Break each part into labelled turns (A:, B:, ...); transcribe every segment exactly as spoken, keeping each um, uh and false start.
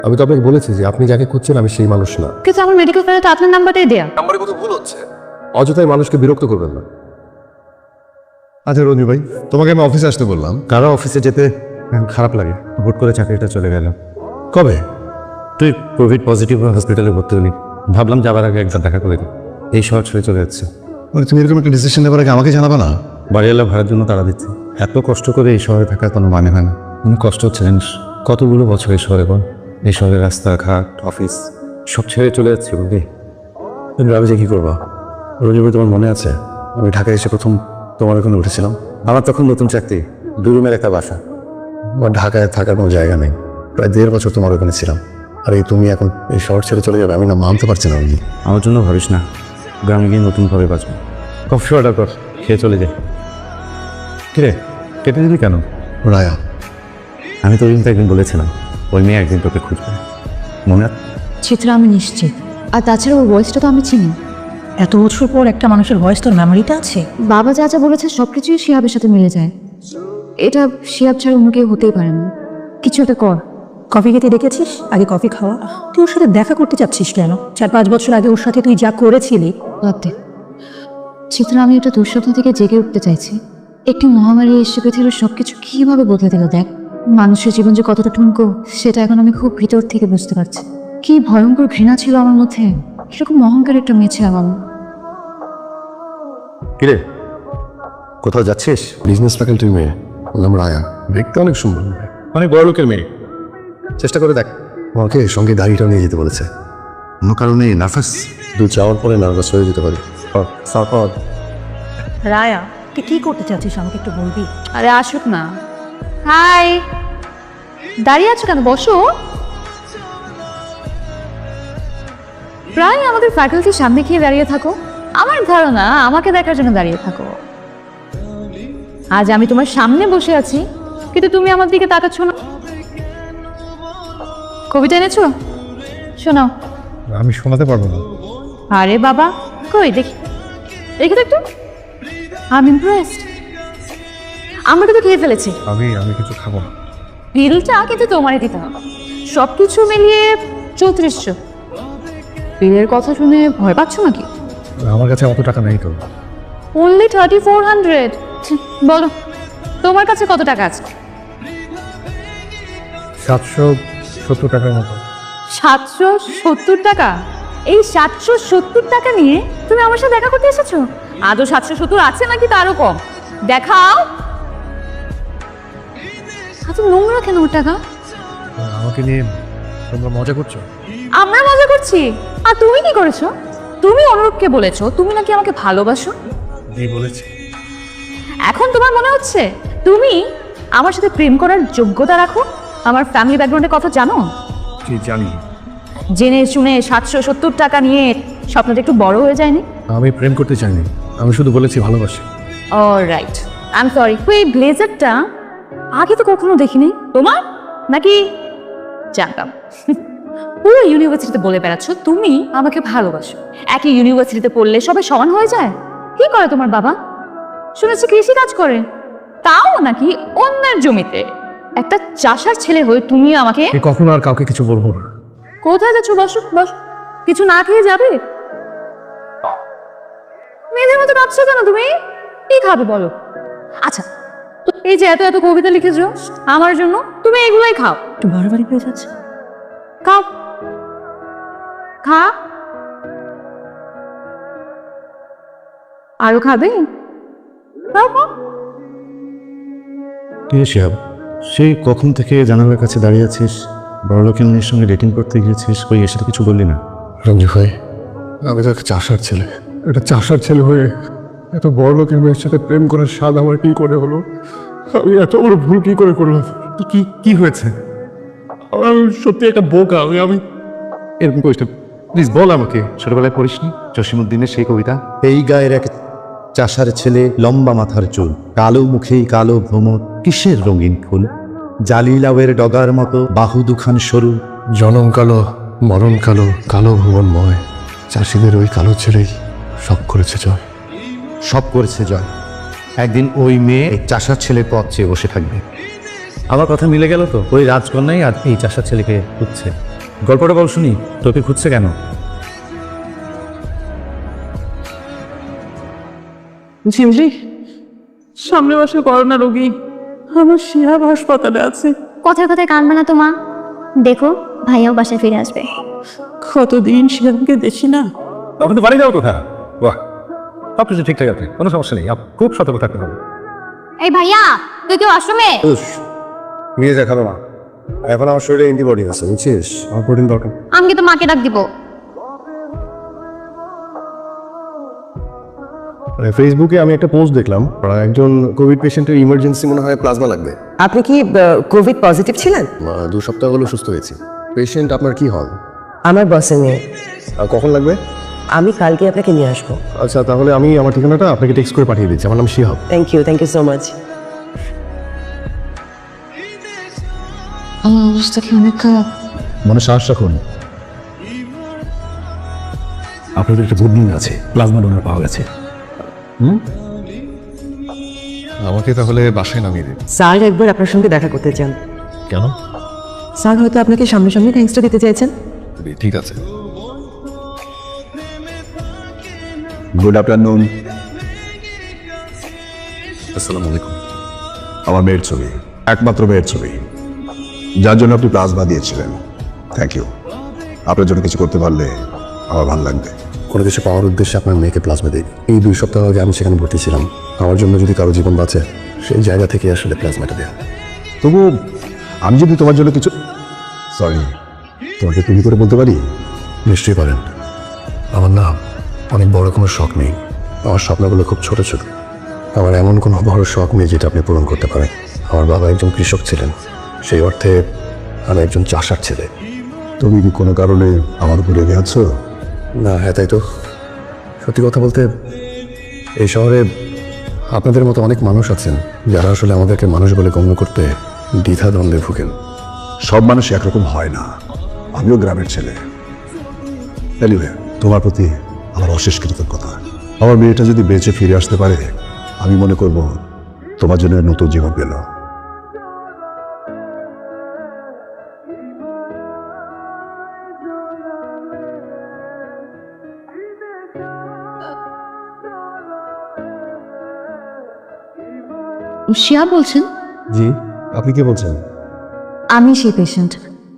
A: আমি তো আপনাকে বলেছি যে আপনি যাকে খুঁজছেন আমি সেই মানুষ না।
B: কিন্তু আমার মেডিকেল ফাইলে তো আপনার নাম্বারটাই দেয়া।
A: নাম্বারে কত ভুল হচ্ছে, অযথাই মানুষকে বিরক্ত করবেন না।
C: আচ্ছা রঞ্জু ভাই, তোমাকে আমি অফিসে আসতে বললাম।
D: কারো অফিসে যেতে এখন খারাপ লাগে, হুট করে চাকরিটা চলে গেল।
C: কবে?
D: তুই কোভিড পজিটিভ হসপিটালে ভর্তি হলি, ভাবলাম যাবার আগে একবার দেখা করে দিই। এই শহর ছেড়ে চলে যাচ্ছে।
C: মানে তুমি এরকম একটা ডিসিশন নেবার আগে আমাকে জানাবা না?
D: বাড়িওয়ালা ভাড়ার জন্য তাড়া দিচ্ছে। এত কষ্ট করে এই শহরে থাকার কোনো মানে হয় না। অনেক কষ্ট হচ্ছে জানিস, কতগুলো বছর এই শহরে বল। এই শহরে রাস্তাঘাট অফিস সব ছেড়ে চলে যাচ্ছি বুঝলি। কিন্তু আমি যে কী করবো? রঞ্জু ভাই, তোমার মনে আছে আমি ঢাকায় এসে প্রথম তোমার ওখানে উঠেছিলাম? আমার তখন নতুন চাকরি, দুই রুমের একটা বাসা। আমার ঢাকায় থাকার কোনো জায়গা নেই। প্রায় দেড় বছর তোমার ওখানে ছিলাম, আর এই তুমি এখন এই শহর ছেড়ে চলে যাবে, আমি না মানতে পারছি না। আমি আমার জন্য ভাবিস না, গ্রামে গিয়ে নতুনভাবে বাঁচবো। কফি অর্ডার কর, খেয়ে চলে যাই। কিরে কেটে দিলি কেন?
C: রায়া,
D: আমি তো ওইদিন তো একদিন বলেছিলাম ওই মেয়ে একদিন তোকে খুঁজবে, মনে আছে?
B: চিত্রা আমি নিশ্চিত। আর তাছাড়া ওর ভয়েসটা তো আমি চিনি।
E: এত বছর পর একটা মানুষের ভয়েস তোর মেমোরিটা আছে?
B: বাবা যা যা বলেছে সবকিছুই শিহাবের সাথে মিলে যায়। এটা শিহাব ছাড়া অন্য কেউ হতেই পারে না। কিছু একটা কর।
E: কফি খেতে ডেকেছিস, আগে কফি খাওয়া। তুই ওর সাথে দেখা করতে চাচ্ছিস কেন? চার পাঁচ বছর আগে ওর সাথে তুই যা করেছিলি।
B: ভাবতে চিত্রা, আমি একটা দুঃস্বপ্ন থেকে জেগে উঠতে চাইছি। একটি মহামারী এসে পৃথিবীর সবকিছু কিভাবে বদলে দিল দেখ। মানুষের জীবন যে কতটা ঠুনকো সেটা এখন আমি খুব ভিতর থেকে বুঝতে পারছি। কি ভয়ঙ্কর ঘৃণা ছিল আমার মধ্যে, কিরকম অহংকার একটা মেয়ে ছিল আমার।
D: কিরে কোথাও যাচ্ছিস?
A: বিজনেস ফ্যাকাল্টির মেয়ে, বললাম রায়া, দেখতে অনেক সুন্দর, অনেক বড় লোকের মেয়ে।
D: চেষ্টা করে দেখ।
A: আমাকে সঙ্গে গাড়িটাও নিয়ে যেতে বলেছে।
D: কোনো কারণে নার্ভাস?
A: দু যাওয়ার পরে নার্ভাস হয়ে যেতে পারি।
D: সাপদ
E: রায়া, তুই কি করতে চাচ্ছিস আমাকে একটু বলবি?
B: আরে আসুক না। হাই, দাঁড়িয়ে আছো কেন? বসো। প্রায় আমাদের ফ্যাকাল্টির সামনে খেয়ে দাঁড়িয়ে থাকো। আমার ধারণা আমাকে দেখার জন্য দাঁড়িয়ে থাকো। আজ আমি তোমার সামনে বসে আছি, কিন্তু তুমি আমার দিকে তাকাচ্ছ না। কবিতা এনেছো? শোনাও।
C: আমি শোনাতে পারবো না।
B: আরে বাবা, কই দেখি, দেখি তো একটু। I am impressed. আমরা কিন্তু খেয়ে ফেলেছি
C: আমি আমি কিছু খাবো না।
B: বিলটা কিন্তু তোমারই দিতে হবে। সব কিছু মিলিয়ে চৌত্রিশশো। বিলের কথা শুনে ভয় পাচ্ছ নাকি?
C: আমার কাছে অত টাকা নেই তো।
B: Only thirty four hundred. বলো তোমার কাছে কত টাকা আছে?
C: সাতশো সত্তর টাকার মতো।
B: সাতশো সত্তর টাকা? এই সাতশো সত্তর টাকা নিয়ে তুমি আমার সাথে দেখা করতে এসেছো? আদৌ সাতশো সত্তর আছে নাকি তারও কম? দেখাও। এত নোংরা কেন ওর টাকা?
C: আমাকে নিয়ে তোমরা মজা করছো?
B: আমরা মজা করছি। আর তুমি কি করেছো? তুমি অনুরূপকে বলেছো তুমি নাকি আমাকে ভালোবাসো।
C: জি বলেছি।
B: এখন তোমার মনে হচ্ছে তুমি আমার সাথে প্রেম করার যোগ্যতা রাখো? আমার ফ্যামিলি ব্যাকগ্রাউন্ডের কথা জানো?
C: জি জানি।
B: জেনে শুনে সাতশো সত্তর টাকা নিয়ে স্বপ্নটা একটু বড় হয়ে যায়নি?
C: আমি প্রেম করতে চাইনি, আমি শুধু বলেছি ভালোবাসি।
B: Alright, I am sorry. এই ব্লেজারটা আগে তো কখনো দেখিনি। তোমার নাকি? জানতাম। পুরো ইউনিভার্সিটিতে বলে বেড়াচ্ছ তুমি আমাকে ভালোবাসো। একই ইউনিভার্সিটিতে পড়লে সবাই সমান হয়ে যায়? কি করে তোমার বাবা? শুনেছি কৃষি কাজ করে, তাও নাকি অন্যের জমিতে। একটা চাষার ছেলে হয়ে তুমি আমাকে।
C: কখনো আর কাউকে কিছু বলবো না।
B: কোথায় যাচ্ছ? বসো বসো। কিছু না খেয়ে যাবে? মেয়েদের মতো কাঁদছো কেন তুমি? কি খাবে বলো? আচ্ছা, এই যে এত এত কবিতা লিখেছো আমার জন্য, তুমি এগুলোই খাও।
E: একটু বাড়াবাড়ি হয়ে যাচ্ছে।
B: খাও, খা। আরো খাবে? খাও খাও।
D: কে শিহাব? সেই কখন থেকে জানালার কাছে দাঁড়িয়ে আছিস, বড় লোকের মেয়ের সঙ্গে ডেটিং করতে গিয়েছিস, কই এসে তো কিছু বললি না?
A: রঞ্জু ভাই, আমি তো একটা চাষার ছেলে। একটা চাষার ছেলে হয়ে এত বড় লোকের মেয়ের সাথে প্রেম করার স্বাদ আমার কি করে হলো? আমি এত বড় ভুল কি করে করলাম?
D: কি কি হয়েছে?
A: আমি সত্যি একটা বোকা। আমি আমি
D: এরকম করিস না, প্লিজ বল আমাকে। ছোটবেলায় পড়িসনি জসিমউদ্দিনের সেই কবিতা? এই গায়ের এক চাষার ছেলে, লম্বা মাথার চুল, কালো মুখেই কালো ভ্রমর, কিসের রঙিন ফুল, জালি লাউয়ের ডগার মতো বাহু দুখান সরু,
A: জনম কালো মরণ কালো, কালো ভুবনময়। চাষিদের ওই কালো ছেলেই সব করেছে জয়।
D: সব করেছে জয়। একদিন ওই মেয়ে এই চাষার ছেলের পথ চেয়ে বসে থাকবে। আমার কথা মিলে গেল তো? ওই রাজকন্যাই আজ এই চাষার ছেলেকে খুঁজছে। গল্পটা বল শুনি, তোকে খুঁজছে কেন?
F: ঝিমলি, সামনে মাসে করোনা রোগী আমার শিহাব হাসপাতালে আছে।
G: কথায় কথায় কানবে না তো মা, দেখো ভাইয়াও বাসায় ফিরে আসবে।
F: কতদিন শিহাবকে দেখি না।
D: তখন তো বাড়ি যাও কোথা? বাহ, সব কিছু ঠিকঠাক আছে, কোনো সমস্যা নেই। আপ- খুব সতর্ক থাকতে হবে।
G: এই ভাইয়া, তুই কি ওয়াশরুমে?
C: নিয়ে যা, খাবে না। এখন আমার শরীরে অ্যান্টিবডি আছে, বুঝছিস? আমার প্রোটিন দরকার।
G: আমি কিন্তু মাকে ডাক দিব।
C: ফেসবুকে আমি একটা পোস্ট দেখলাম, একজন কোভিড পেশেন্টের ইমার্জেন্সি মনে হয় প্লাজমা লাগবে।
H: আপনি কি কোভিড পজিটিভ ছিলেন?
C: দু সপ্তাহ হলো সুস্থ হয়েছি। পেশেন্ট আপনার কি হল?
H: আমার বসে নিয়ে
C: আর কখন লাগবে?
H: আমি কালকে আপনাকে নিয়ে আসবো।
C: আচ্ছা, তাহলে আমি আমার ঠিকানাটা আপনাকে টেক্সট করে পাঠিয়ে দিচ্ছি। আমার নাম Shihab.
H: Thank you, thank you so much.
B: আমার অবস্থা কি অনেক খারাপ?
A: মনে সাহস রাখুন, আপনাদের একটা গুড নিউজ আছে, প্লাজমা ডোনার পাওয়া গেছে।
C: আমাকে তাহলে বাসায় নামিয়ে দিন।
H: স্যার একবার আপনার সঙ্গে দেখা করতে চান।
C: কেন?
H: স্যার হয়তো আপনাকে সামনাসামনি থ্যাঙ্কসটা দিতে চাইছেন।
C: ঠিক আছে। Good afternoon. আসসালামু আলাইকুম।
I: আমার মেয়ের ছবি, একমাত্র মেয়ের ছবি, যার জন্য আপনি প্লাজমা দিয়েছিলেন। Thank you. আপনার জন্য কিছু করতে পারলে আমার ভালো লাগবে।
C: কোনো কিছু পাওয়ার উদ্দেশ্যে আপনার মেয়েকে প্লাজমা দিই। এই দুই সপ্তাহ আগে আমি সেখানে ভর্তি ছিলাম। আমার জন্য যদি কারো জীবন বাঁচে, সেই জায়গা থেকে আসলে প্লাজমাটা দেওয়া।
I: তবু আমি যদি তোমার জন্য কিছু, সরি, তোমাকে তুমি করে বলতে পারি?
C: নিশ্চয়ই পারেন। আমার না অনেক বড় কোনো শখ নেই, আমার স্বপ্নগুলো খুব ছোট ছোট। আমার এমন কোনো বড় শখ নেই যেটা আপনি পূরণ করতে পারেন। আমার বাবা একজন কৃষক ছিলেন, সেই অর্থে আমি একজন চাষার ছেলে।
I: তুমি কি কোনো কারণে আমার উপরে রেগে আছো?
C: না, হ্যাঁ তাই তো। সত্যি কথা বলতে এই শহরে আপনাদের মতো অনেক মানুষ আছেন যারা আসলে আমাদেরকে মানুষ বলে গণ্য করতে দ্বিধা দ্বন্দ্বে ভুগেন।
I: সব মানুষ একরকম হয় না। আমিও গ্রামের ছেলে। এনিওয়ে, তোমার প্রতি আমার অশেষ কৃতজ্ঞতা। আমার মেয়েটা যদি বেঁচে ফিরে আসতে পারে, আমি মনে করব তোমার জন্য নতুন জীবন পেল।
B: শিয়া বলছেন?
C: জি, আপনি কি বলছেন?
B: আমি সেই পেশেন্ট।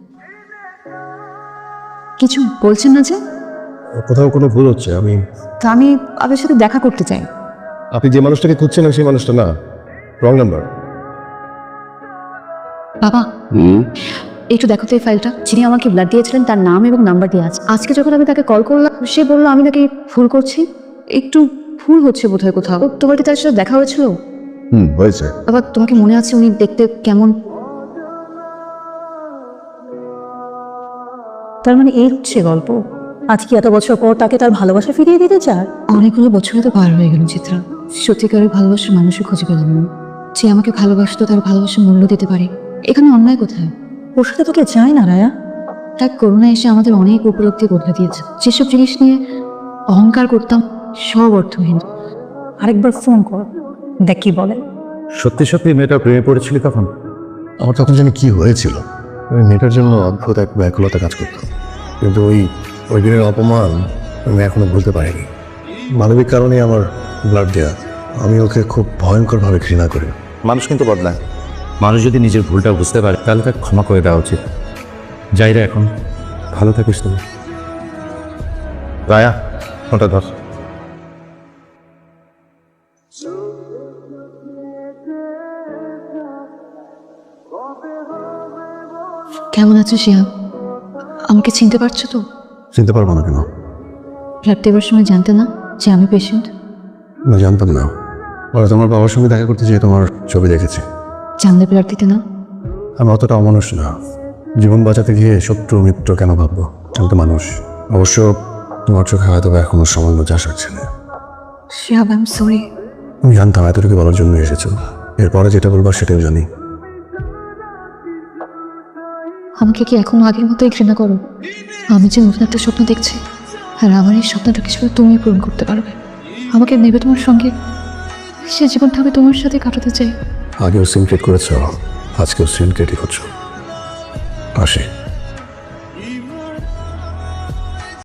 B: কিছু বলছেন না যে?
C: কোথাও কোনো ভুল হচ্ছে। আমি
B: তো আমি আপনার সাথে দেখা করতে চাই।
C: আপনি যে মানুষটাকে খুঁজছেন সেই মানুষটা না, রং নাম্বার।
B: বাবা, একটু দেখো তো এই ফাইলটা। যিনি আমাকে ব্লাড দিয়েছিলেন তার নাম এবং নাম্বার দিয়ে আছে। আজকে যখন আমি তাকে কল করলাম, সে বললো আমি নাকি ভুল করছি। একটু ভুল হচ্ছে বোধহয় কোথাও। তোমার কি তার সাথে দেখা হয়েছিল?
I: হুম, হয়েছে।
B: বাবা, তোমাকে মনে আছে উনি দেখতে কেমন?
E: তার মানে এই হচ্ছে গল্প। আজকে এত বছর পর তাকে তার ভালোবাসা ফিরিয়ে দিতে চায়।
B: অনেকগুলো বছরে তো পার হয়ে গেল চিত্রা, সত্যিকারের ভালোবাসার মানুষও খুঁজে পেলাম না। যে আমাকে ভালোবাসতো তার ভালোবাসার মূল্য দিতে পারে। এখানে অন্যায় কোথায়?
E: ওর সাথে তোকে চায় না রায়া।
B: তার করোনা এসে আমাদের অনেক উপলব্ধি বদলে দিয়েছে। যেসব জিনিস নিয়ে অহংকার করতাম সব অর্থহীন।
E: আরেকবার ফোন কর, দেখ কি বলে।
D: সত্যি সত্যি মেয়েটা প্রেমে পড়েছিলি তখন?
C: আমার তখন জানি কি হয়েছিল। ওই মেয়েটার জন্য অদ্ভুত এক ব্যাকুলতা কাজ করতাম, কিন্তু ওই ওই দিনের অপমান আমি এখনো ভুলতে পারিনি। মানবিক কারণে আমার ব্লাড দেওয়া। আমি ওকে খুব ভয়ঙ্করভাবে ঘৃণা করি।
D: মানুষ কিন্তু বদলায়। মানুষ যদি নিজের ভুলটা বুঝতে পারে তাহলে তাকে ক্ষমা করে দেওয়া উচিত। যাই রে, এখন ভালো থাকিস তুমি। রায়া, ফোনটা ধর।
B: কেমন আছো শিয়া? আমাকে চিনতে পারছো তো?
C: চিনতে পারবো না কেন?
B: ব্লাড দেওয়ার সময় জানতে না যে আমি পেশেন্ট?
C: না, জানতাম না। ওরা তোমার বাবার সঙ্গে দেখা করতে যেয়ে তোমার ছবি দেখেছি।
B: জানলে ব্লাড দিতে না?
C: আমি অতটা অমানুষ না। জীবন বাঁচাতে গিয়ে শত্রু মিত্র কেন ভাববো? আমি তো মানুষ। অবশ্য তোমার চোখে হয়তো বা এখনো সামান্য চাষ হচ্ছে না।
B: Shihab, I am sorry.
C: আমি জানতাম এতটুকু বলার জন্য এসেছো। এরপরে যেটা বলবার সেটাও জানি।
B: আমাকে কি এখন আগের মতোই ঘৃণা করো? আমি যে নতুন একটা স্বপ্ন দেখছি, আর আমার এই স্বপ্নটা কিছু তুমি পূরণ করতে পারবে। আমাকে নেবে তোমার সঙ্গে, সে জীবনটা আমি তোমার সাথে কাটাতে চাই।
C: আগেও সিনক্রেট করেছ, আজকেও সিনক্রেটই করছো। আসে।